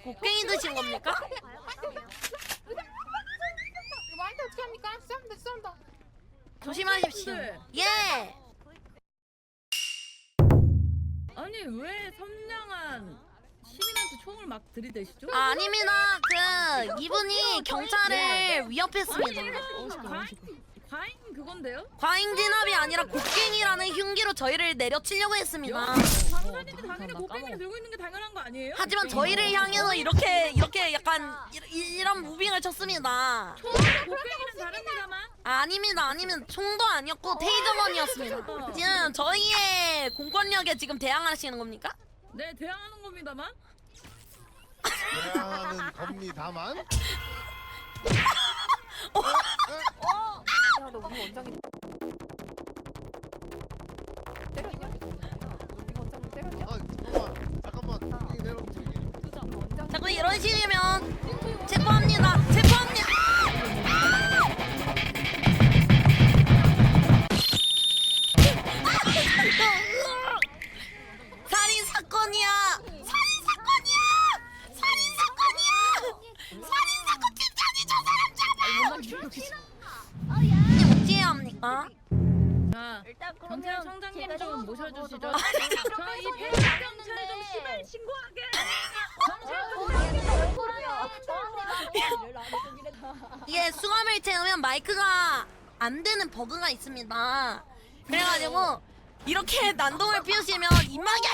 곡괭이 드신 겁니까? 말도 어떻게 합니까? 쏜다. 조심하십시오. 예. 아니 왜 선량한 시민한테 총을 막 들이대시죠? 아, 아닙니다. 이분이 경찰을 위협했습니다. 과잉 그건데요? 과잉 진압이 아니라 곡괭이라는 흉기로 저희를 내려치려고 했습니다. 방탄인데 당연히 곡괭이를 들고 있는 게 당연한 거 아니에요? 하지만 저희를 향해서 이렇게 약간 이런 무빙을 쳤습니다. 곡괭이는 다릅니다만. 아닙니다. 총도 아니었고 테이저건이었습니다. 지금 저희의 공권력에 지금 대항하시는 겁니까? 네 대항하는 겁니다만. 대항하는 겁니다만. 야너 우리 원장이 때렸냐? 우리 원장을 때렸냐? 아 잠깐만 이게 내려오지. 원장 자꾸 이런 식이면 체포합니다. 체포합니다. 살인 사건이야. 살인 사건이야. 살인 사건이야. 살인 사건 팀장이 저 사람 잡아요. 이게 어찌해야 합니까? 자 경찰청장님 좀 모셔주시죠. 저이 폐경찰 좀 시발 신고하게. 이게 수감을 채우면 마이크가 안 되는 버그가 있습니다. 그래가지고 이렇게 난동을 피우시면 입마개를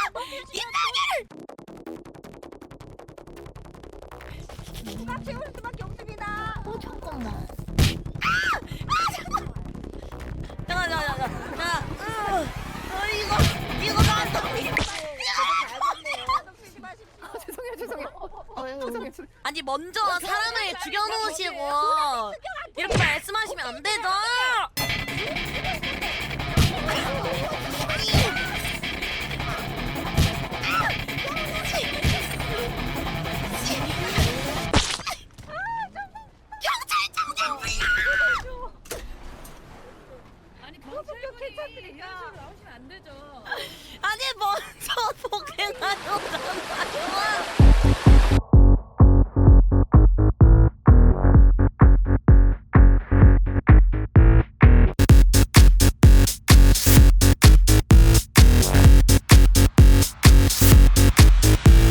수박 채울 수밖에 없습니다. 잠깐만. 이거 난동이. 죄송해요. 아니 먼저 사람을 죽여놓으시고 이렇게 말씀하시면 안 되죠.